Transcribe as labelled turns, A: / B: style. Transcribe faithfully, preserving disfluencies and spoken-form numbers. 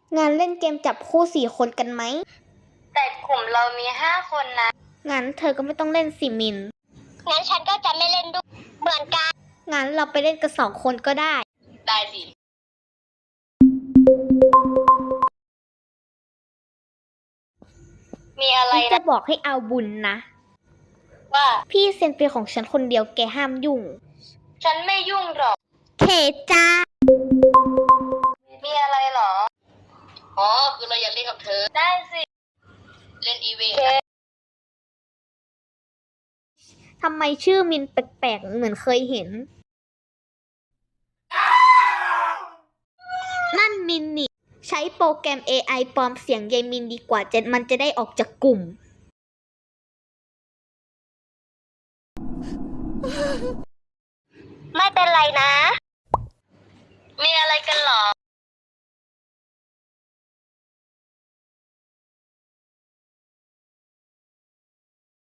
A: งานเล่นเกมจับคู่สี่คนกันไหม
B: แต่กลุ่มเรามีห้าคนนะ
A: งั้นเธอก็ไม่ต้องเล่นสิมิน
B: งั้นฉันก็จะไม่เล่นด้วยเหมือนกัน
A: งั้นเราไปเล่นกันสองคนก็ได้
B: ได้สิ มีอะไร
A: ฉันจะ
B: นะ
A: บอกให้เอาบุญนะ
B: ว่า
A: พี่เซ็นเป็นของฉันคนเดียวแกห้ามยุ่ง
B: ฉันไม่ยุ่งหรอก
A: เคจ้า
B: มีอะไรหรอ อ๋อ คือเราอยากเล่นกับเธอ ได้สิ เล่นอีเวนต์
A: ทำไมชื่อมินแปลกๆเหมือนเคยเห็น นั่นมินนี่ ใช้โปรแกรม เอ ไอ ปลอมเสียงยายมินดีกว่าจะมันจะได้ออกจากกลุ่ม
B: ไม่เป็นไรนะ มีอะไรกันหรอ